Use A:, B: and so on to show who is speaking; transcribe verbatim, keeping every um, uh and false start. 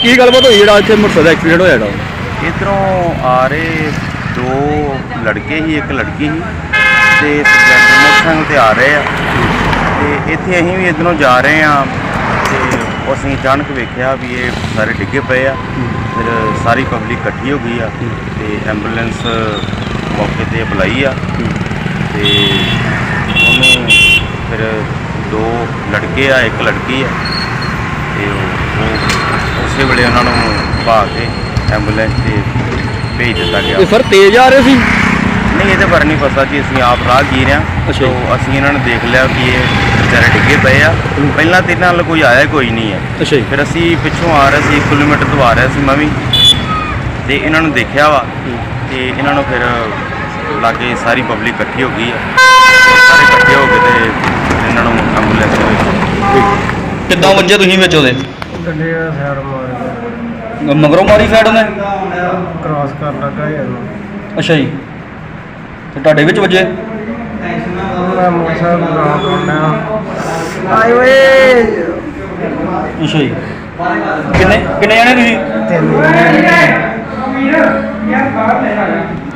A: ਕੀ ਗੱਲਬਾਤ ਹੋਈ ਜਿਹੜਾ ਇੱਥੇ ਮੋਟਰਸਾਈਕਲ ਦਾ ਐਕਸੀਡੈਂਟ ਹੋਇਆ ਜਿਹੜਾ?
B: इधरों आ रहे दो लड़के ही एक लड़की ही ते मोटरसाइकिल ते आ रहे हैं ते इत्थे असीं भी इधरों जा रहे हैं ते असीं अचानक वेख्या भी ये सारे डिगे पे आ। फिर सारी पब्लिक इकट्ठी हो गई आ ते एंबूलेंस मौके ते बुलाई आ ते उन्होंने फिर दो लड़के आ एक लड़की आ ते उस वेले उन्होंने भा के एंबूलेंस से भेज दिता गया।
A: सर तेज आ रहे सी?
B: नहीं ये बारे नहीं पता जी, असं आप राहगीर हाँ तो असं इन्होंने देख लिया कि ये बेचारे डिगे पे आ। पहला तो इन्होंने कोई आया कोई नहीं है।
A: अच्छा
B: फिर असी पिछों आ रहे थे एक किलोमीटर तो आ रहे थे मैं भी तो इन्होंने देखा वा तो इन्होंने फिर लागे सारी पब्लिक इकट्ठी हो गई है। सारे इकट्ठे हो गए तो इन्होंने एंबूलेंस
A: किद्दां वज्जे तुसीं विच ओहदे?
C: ਗੱਡੀ ਦਾ ਸਾਈਡ ਮਾਰ ਗਿਆ,
A: मगरों मारी साइड ने?
C: ਕ੍ਰਾਸ ਕਰਨ ਲੱਗਾ ਯਾਰ।
A: अच्छा जी, तो ਤੁਹਾਡੇ ਵਿੱਚ ਵੱਜੇ?
C: ਮੈਂ ਮੋਟਰਸਾਈਕਲ ਬਣਾ ਪਾਉਂਦਾ ਆਏ ਓਏ
A: ਅੱਛਾ ਜੀ, ਕਿੰਨੇ ਕਿੰਨੇ ਜਣੇ ਤੁਸੀਂ?
C: ਤਿੰਨ